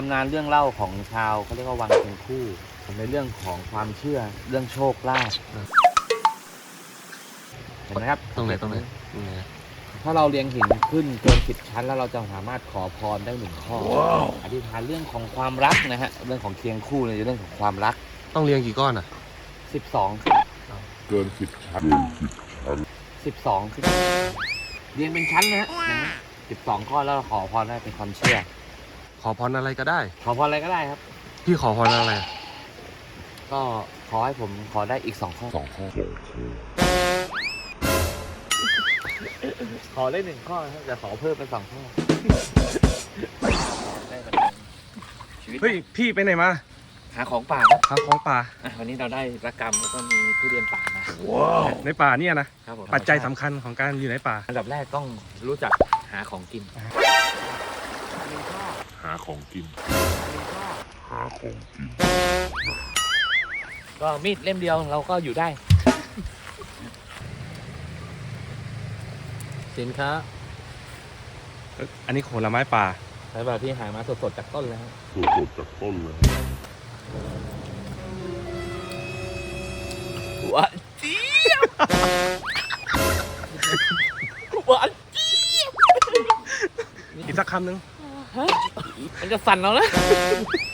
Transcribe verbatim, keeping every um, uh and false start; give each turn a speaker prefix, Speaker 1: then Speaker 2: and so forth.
Speaker 1: ำนานเรื่องเล่าของชาวเขาเรียกว่าวังเชียงคู่ในเรื่องของความเชื่อเรื่องโชคลาภเห็นไหมครับ
Speaker 2: ตรงไหนตรงไหนตรงไหน
Speaker 1: ถ้าเราเรียงหินขึ้นเกินสิบชั้นแล้วเราจะสามารถขอพรได้หนึ่งข้อ wow. อธิษฐานเรื่องของความรักนะฮะเรื่องของเคียงคู่ในเรื่องของความรัก
Speaker 2: ต้องเรียงกี่ก้อนอ่ะ
Speaker 1: สิบสอง
Speaker 3: เกินสิบชั้นเกินสิบชั้น
Speaker 1: สิบสองเรียงเป็นชั้นนะฮะสิบสองข้อแล้วขอพรได้เป็นความเชื่อ
Speaker 2: ขอพรอะไรก็ได้
Speaker 1: ขอพรอะไรก็ได้ครับ
Speaker 2: พี่ขอพรอะไร
Speaker 1: ก็ขอให้ผมขอได้อีกสองข้อ
Speaker 3: สองข้อ
Speaker 1: ขอได้หนึ่งข้อครับจะขอเพิ่มเป็นสองข้อ
Speaker 2: เฮ้ยพี่ไปไหนมา
Speaker 1: หาของป่าครับ
Speaker 2: หาของป่า
Speaker 1: วันนี้เราได้ระกำแล้วก็มีทุเรียนป่ามา
Speaker 2: ว้าวในป่าเนี่ยนะครับปัจจัยสำคัญของการอยู่ในป่า
Speaker 1: อันดับแรกต้องรู้จักหาของกิน
Speaker 3: หาของกินหาของกิน
Speaker 1: ก็มีดเล่มเดียวเราก็อยู่ได้สินค้า
Speaker 2: อันนี้ผลไม้ป่า
Speaker 1: ใช่ป่ะที่หามาสดๆจากต้นเลย
Speaker 3: สดๆจากต้นเลย
Speaker 1: หวานเจี๊ยบหวานเจี๊ยบ
Speaker 2: อีกสักคำหนึ่ง
Speaker 1: มันจะสั่นแล้วนะ